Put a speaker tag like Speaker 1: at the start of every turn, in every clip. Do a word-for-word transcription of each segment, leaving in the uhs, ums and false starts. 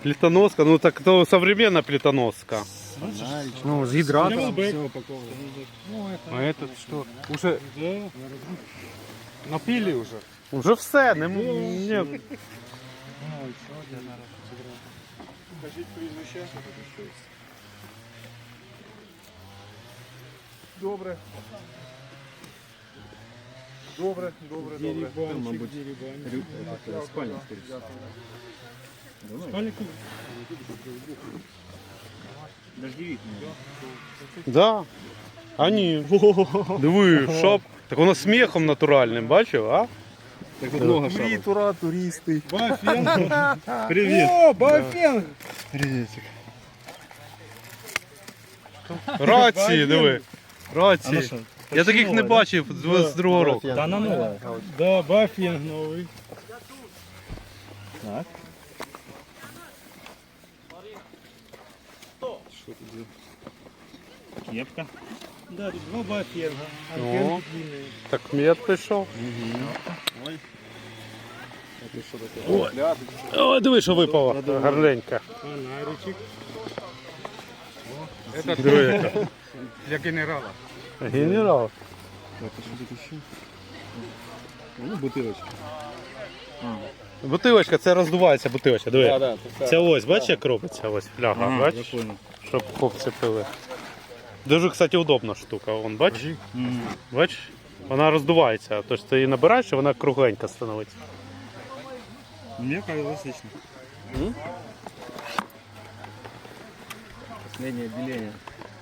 Speaker 1: Плитоноска, ну так то современная плитоноска.
Speaker 2: Ну, с гидратом.
Speaker 3: А этот что? Уже напили уже?
Speaker 1: Уже все, не, ні.
Speaker 3: Покажіть прізвище. Добре. Добре, добре, добре.
Speaker 2: Мабуть, спальня,
Speaker 3: Спальник.
Speaker 2: Дождевик.
Speaker 1: Да. А ні. Диви, шап. Так воно сміхом натуральним, бачив, а?
Speaker 2: Так тут много шапок.
Speaker 3: Тура, туристи. Бафен. Привіт. О, Бафен.
Speaker 2: Приветик.
Speaker 1: Рації, диви. Рації. Я таких не бачив з з другого року.
Speaker 2: Да, она новая.
Speaker 3: Да, Бафен новий.
Speaker 2: Так. Кепка.
Speaker 3: Да, тут два Бафена.
Speaker 1: О, так мед прийшов. О, диви, що випало. Гарненько.
Speaker 3: Фонаричек.
Speaker 1: Диви, яка.
Speaker 3: Для генерала.
Speaker 1: Генерал.
Speaker 2: Так, а что тут еще? Ну, бутылочка.
Speaker 1: Бутилочка, це роздувається бутилочка, диви.
Speaker 2: да,
Speaker 1: Це ось, бачиш, як робиться, ось фляга,
Speaker 2: Ага, я
Speaker 1: бачиш,
Speaker 2: понял.
Speaker 1: щоб хлопці пили. Дуже, кстати, удобна штука, вон, бачиш? Бачиш? Вона роздувається, тобто ти її набираєш і вона кругленька становиться.
Speaker 2: Мне казалось лично.
Speaker 1: М?
Speaker 2: Последнее отделение.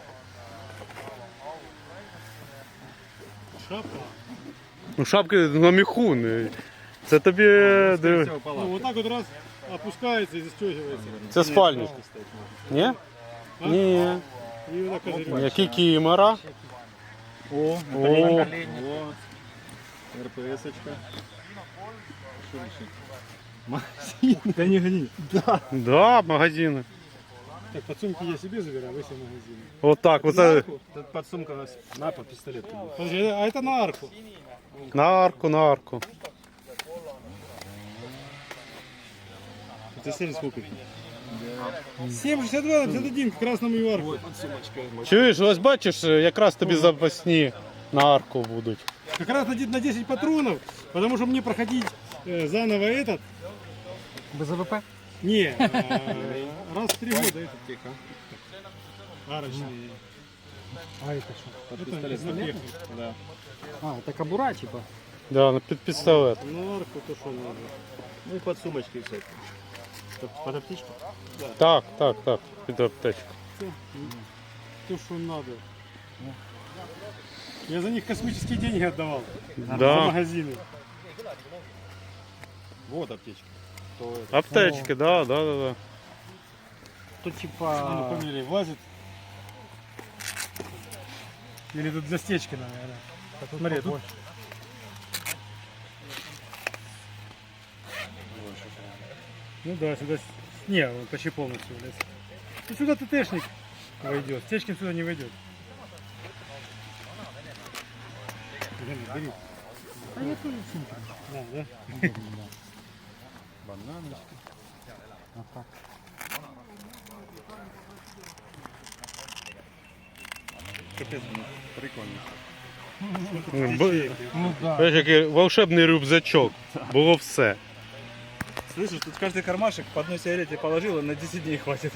Speaker 3: Шапка.
Speaker 1: Ну шапки на міху, не- це тобі... диви.
Speaker 3: Ну, вот так вот раз опускается и застегивается.
Speaker 1: Це спальник. Ні? Ні.
Speaker 3: И вот так козырек.
Speaker 1: Які кімера.
Speaker 2: О,
Speaker 1: О,
Speaker 2: О, РПС-очка. Да не гони. Да.
Speaker 1: да, магазини.
Speaker 3: Так, подсумки я себе забираю, вы себе магазины.
Speaker 1: Отак, оце
Speaker 2: Тут подсумка у нас на по пистолет.
Speaker 3: Подожди, а это на арку.
Speaker 1: на арку, на арку.
Speaker 2: Это семь сколько?
Speaker 3: семь шестьдесят два пятьдесят один к красному и арку.
Speaker 1: Чуєш, ось бачиш, якраз тобі запасні на арку будуть.
Speaker 3: Как раз на де- на десять патронов, потому что мне проходить э, заново этот.
Speaker 2: Без АВП?
Speaker 3: Не, э, раз в три года этот тихо. Арочный.
Speaker 2: А это что?
Speaker 3: Это
Speaker 2: пистолет
Speaker 3: на технику.
Speaker 2: Да.
Speaker 4: А, это кобура типа?
Speaker 1: Да, на під пістолет.
Speaker 3: На арку то что надо.
Speaker 2: Ну и подсумочки всякие. Под, под аптечку?
Speaker 1: Так, так, так, під аптечку.
Speaker 3: То, что надо. Я за них космические деньги отдавал. За
Speaker 1: Да,
Speaker 3: магазины.
Speaker 2: Вот аптечка.
Speaker 1: аптечки, да, да, да, да.
Speaker 4: Тут
Speaker 3: А,
Speaker 4: типа...
Speaker 3: ну, фамилия влазит. Или тут для стечки, наверное. Смотри, тут... Ну да, сюда... с- Не, он почти полностью влез. Ну сюда ТТшник войдет. Стечкин сюда не войдет. Бери, бери.
Speaker 4: А я тоже сумка.
Speaker 3: Да, да?
Speaker 4: Бананочка. Вот так.
Speaker 2: Капец, прикольно.
Speaker 1: Б-
Speaker 4: Ну да.
Speaker 1: Бачиш, який волшебний рюкзачок. Було все.
Speaker 2: Слышишь, тут каждый кармашек по одной сигарете положил, и на десять дней хватит.